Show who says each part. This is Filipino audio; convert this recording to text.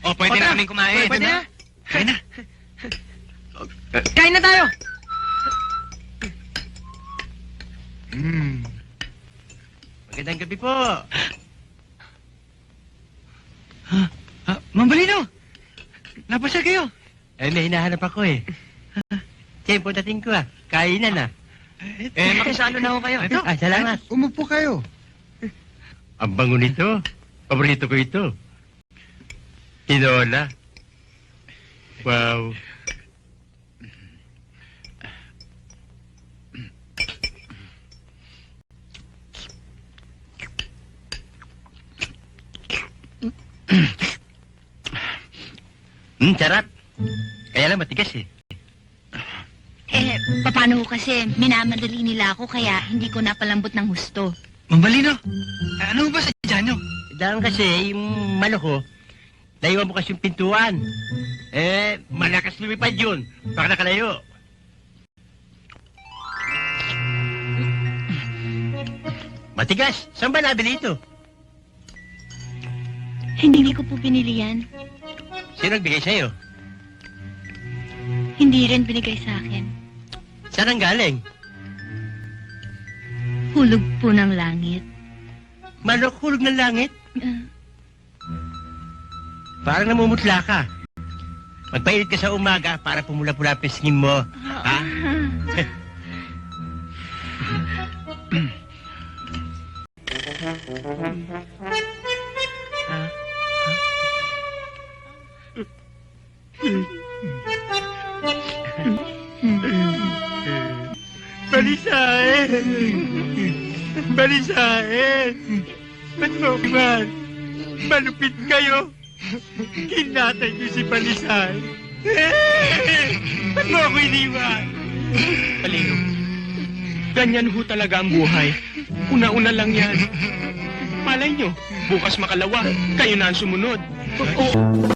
Speaker 1: O, pwede na kaming kumain.
Speaker 2: Pwede na.
Speaker 1: Kain na.
Speaker 2: Kain na tayo.
Speaker 3: Magandang gabi po.
Speaker 1: Ma'am Balino! Napasya kayo.
Speaker 3: May hinahanap ako eh. Tempo dating ko ah. Kainan ah.
Speaker 2: Makisalo na ako kayo.
Speaker 1: Ito.
Speaker 3: Salamat.
Speaker 4: Umupo kayo.
Speaker 3: Ang bango nito. Paborito ko ito. Tinola. Wow. Sarap. Kaya lang matigas eh.
Speaker 5: Paano ko kasi minamadali nila ako kaya hindi ko napalambot ng husto.
Speaker 1: Ma'am Balino, ano ba sa dyan nyo?
Speaker 3: Dahil kasi yung manok ko, naiwan mo kasi yung pintuan. Malakas lumipad yun. Baka nakalayo. Matigas. Saan ba nabili ito?
Speaker 5: Hindi ko po pinili yan.
Speaker 3: Sino nagbigay sa'yo?
Speaker 5: Hindi rin binigay sa akin.
Speaker 3: Saan ang galing?
Speaker 5: Hulog po ng langit.
Speaker 3: Manok hulog ng langit?
Speaker 5: Ah,
Speaker 3: Parang namumutla ka. Magpainit ka sa umaga para pumula-pula pisngin mo. Ha? Balisain! Balisain! Ba't mo man? Malupit kayo! Kinatay niyo si Balisain! Ba't mo ako iniwan?
Speaker 2: Balino, ganyan ho talaga ang buhay. Una-una lang yan. Malay nyo, bukas makalawa, kayo na ang sumunod.